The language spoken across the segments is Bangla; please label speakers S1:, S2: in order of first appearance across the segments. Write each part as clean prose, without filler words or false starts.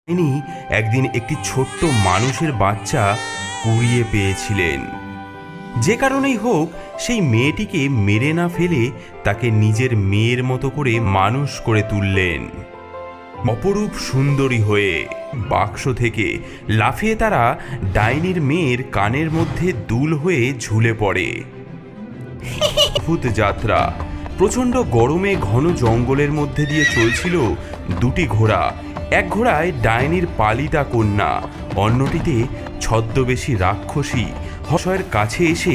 S1: তিনি একদিন একটি ছোট্ট মানুষের বাচ্চা কুড়িয়ে পেয়েছিলেন। যে কারণেই হোক সেই মেয়েটিকে মেরে না ফেলে তাকে নিজের মেয়ের মতো করে মানুষ করে তুললেন। অপরূপ সুন্দরী হয়ে বাক্স থেকে লাফিয়ে তারা ডাইনির মেয়ের কানের মধ্যে দুল হয়ে ঝুলে পড়ে। অদ্ভুত যাত্রা। প্রচণ্ড গরমে ঘন জঙ্গলের মধ্যে দিয়ে চলছিল দুটি ঘোড়া। এক ঘোড়ায় ডাইনির পালিতা কন্যা, অন্যটিতে ছদ্মবেশী রাক্ষসী হসয়ের কাছে এসে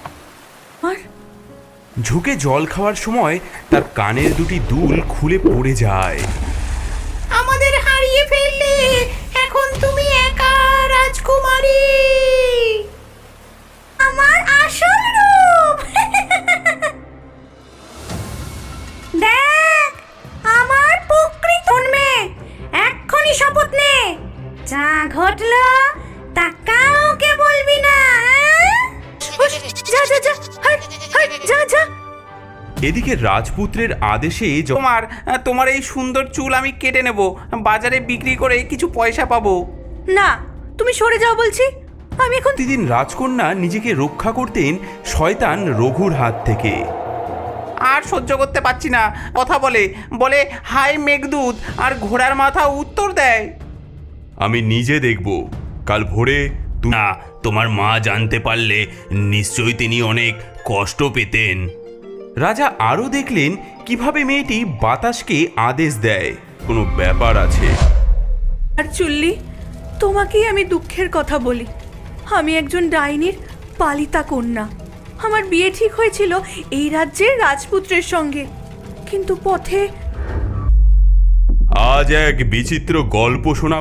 S1: ঝুঁকে জল খাওয়ার সময় তার কানের দুটি দুল খুলে পড়ে যায়।
S2: আমাদের হারিয়ে ফেললে, এখন তুমি একা রাজকুমারী। আমার আসল রূপ দেখ, আমার প্রকৃত মেয়ে। এক্ষুনি শপথ নে, যা ঘটলো তা কাউকে বলবি না। যা যা যা, যা যা।
S1: এদিকে রাজপুত্রের আদেশে
S3: তোমার এই সুন্দর চুল আমি কেটে নেব, বাজারে বিক্রি করে কিছু পয়সা পাবো।
S2: না, তুমি সরে যাও বলছি। আমি এখন
S1: প্রতিদিন রাজকন্যা নিজেকে রক্ষা করতেন শয়তান রঘুর হাত থেকে।
S3: আর সহ্য করতে পারছি না, কথা বলে বলে হাই মেঘদূত, আর ঘোড়ার মাথা উত্তর দেয়।
S1: আমি নিজে দেখব। কাল ভোরে না, তোমার মা জানতে পারলে নিশ্চয়ই তিনি অনেক কষ্ট পেতেন। রাজা আরও দেখলেন কিভাবে মেয়েটি বাতাসকে আদেশ দেয় কোনো ব্যাপার আছে।
S2: আর চুল্লি, তোমাকেই আমি দুঃখের কথা বলি। আমি একজন ডাইনির পালিতা কন্যা। আমার বিয়ে ঠিক হয়েছিল এই রাজ্যের রাজপুত্রের সঙ্গে, কিন্তু পথে
S1: আজ এক বিচিত্র গল্প শোনা।